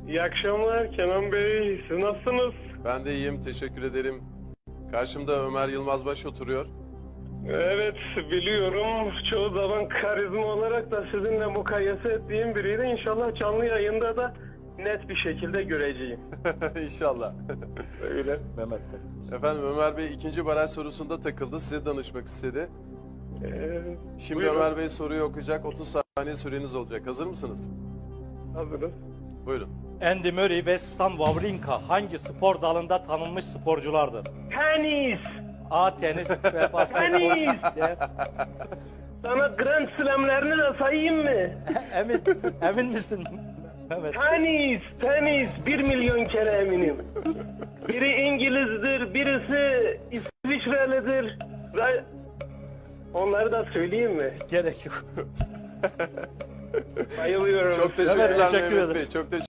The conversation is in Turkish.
İyi akşamlar Kenan Bey. Siz nasılsınız? Ben de iyiyim, teşekkür ederim. Karşımda Ömer Yılmazbaş oturuyor. Evet, biliyorum. Çoğu zaman karizma olarak da sizinle mukayese ettiğim biriydi. İnşallah canlı yayında da net bir şekilde göreceğim. İnşallah. Öyle. Mehmet Bey. Efendim Ömer Bey ikinci baraj sorusunda takıldı. Size danışmak istedi. Şimdi Buyurun. Ömer Bey soruyu okuyacak. 30 saniye süreniz olacak. Hazır mısınız? Hazırız. Buyurun. Andy Murray ve Stan Wawrinka hangi spor dalında tanınmış sporculardır? Tenis! A. Tenis ve basketbol. Tenis! C. Sana Grand Slam'lerini de sayayım mı? Emin misin? Mehmet. Tenis! 1 milyon kere eminim. Biri İngiliz'dir, birisi İsviçrelidir. Onları da söyleyeyim mi? Gerek yok. Bayılıyorum. Çok teşekkürler teşekkür Mehmet ederim. Bey. Çok teşekkür